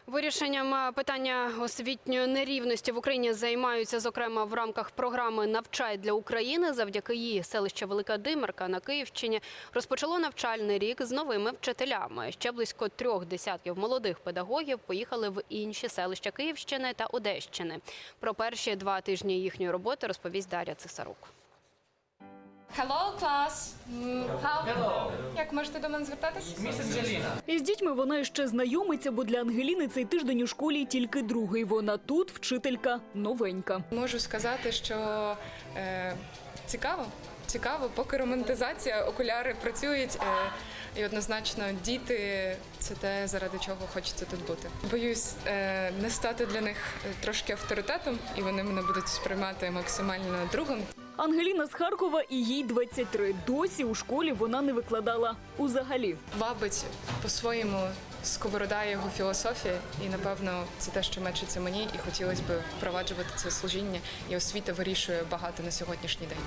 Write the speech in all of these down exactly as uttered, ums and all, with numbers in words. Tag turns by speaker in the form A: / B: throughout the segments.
A: Вирішенням питання освітньої нерівності в Україні займаються, зокрема, в рамках програми «Навчай для України». Завдяки їй селище Велика Димирка на Київщині розпочало навчальний рік з новими вчителями. Ще близько трьох десятків молодих педагогів поїхали в інші селища Київщини та Одещини. Про перші два тижні їхньої роботи розповість Дар'я Цесарук.
B: Hello, клас! How? Як можете до мене звертатись?
C: місіс Джеліна.
D: Із дітьми вона ще знайомиться, бо для Ангеліни цей тиждень у школі тільки другий. Вона тут вчителька новенька.
B: Можу сказати, що е, цікаво. Цікаво, поки романтизація, окуляри працюють. Е, і однозначно діти – це те, заради чого хочеться тут бути. Боюсь е, не стати для них трошки авторитетом, і вони мене будуть сприймати максимально другом.
D: Ангеліна з Харкова і їй двадцять три. Досі у школі вона не викладала узагалі.
B: Вабить по-своєму сковорода його філософія, і, напевно, це те, що мечиться мені, і хотілося б впроваджувати це служіння, і освіта вирішує багато на сьогоднішній день.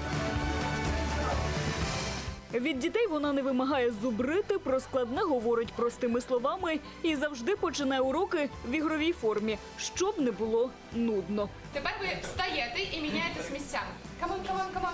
D: Від дітей вона не вимагає зубрити, про складне говорить простими словами і завжди починає уроки в ігровій формі, щоб не було нудно.
B: Тепер ви встаєте і міняєтесь місцями. Камон, камон, камон.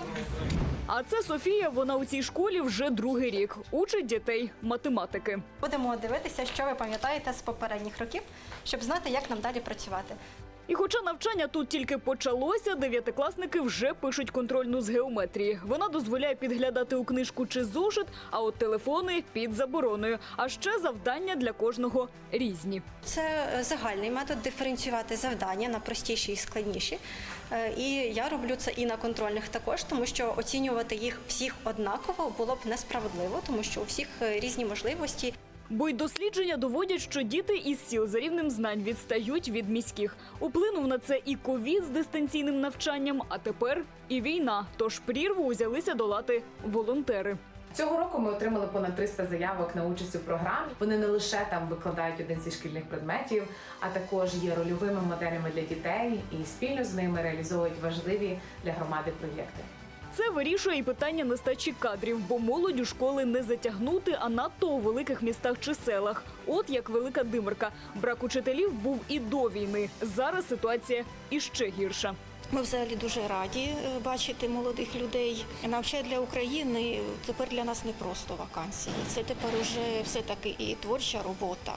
D: А це Софія, вона у цій школі вже другий рік. Учить дітей математики.
E: Будемо дивитися, що ви пам'ятаєте з попередніх років, щоб знати, як нам далі працювати.
D: І хоча навчання тут тільки почалося, дев'ятикласники вже пишуть контрольну з геометрії. Вона дозволяє підглядати у книжку чи зошит, а от телефони під забороною. А ще завдання для кожного різні.
E: Це загальний метод диференціювати завдання на простіші і складніші. Е, І я роблю це і на контрольних також, тому що оцінювати їх всіх однаково було б несправедливо, тому що у всіх різні можливості.
D: Бо й дослідження доводять, що діти із сіл за рівнем знань відстають від міських. Уплинув на це і ковід з дистанційним навчанням, а тепер і війна. Тож прірву узялися долати волонтери.
C: Цього року ми отримали понад триста заявок на участь у програмі. Вони не лише там викладають один зі шкільних предметів, а також є рольовими моделями для дітей і спільно з ними реалізовують важливі для громади проєкти.
D: Це вирішує і питання нестачі кадрів, бо молодь у школи не затягнути, а надто у великих містах чи селах. От як Велика Димирка. Брак учителів був і до війни. Зараз ситуація іще гірша.
F: Ми взагалі дуже раді е, бачити молодих людей. «Навчай для України» тепер для нас не просто вакансії. Це тепер уже все-таки і творча робота,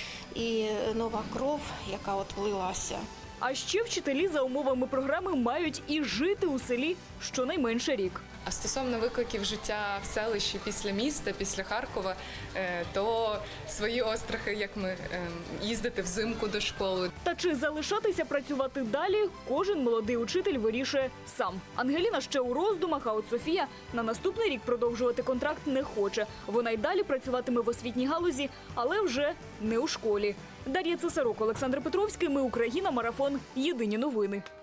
F: і нова кров, яка от влилася.
D: А ще вчителі за умовами програми мають і жити у селі щонайменше рік.
B: А стосовно викликів життя в селищі після міста, після Харкова, е, то свої острахи, як ми е, їздити взимку до школи.
D: Та чи залишатися працювати далі, кожен молодий учитель вирішує сам. Ангеліна ще у роздумах, а от Софія на наступний рік продовжувати контракт не хоче. Вона й далі працюватиме в освітній галузі, але вже не у школі. Дар'я Цесарук, Олександр Петровський. Ми Україна. Марафон. Єдині новини.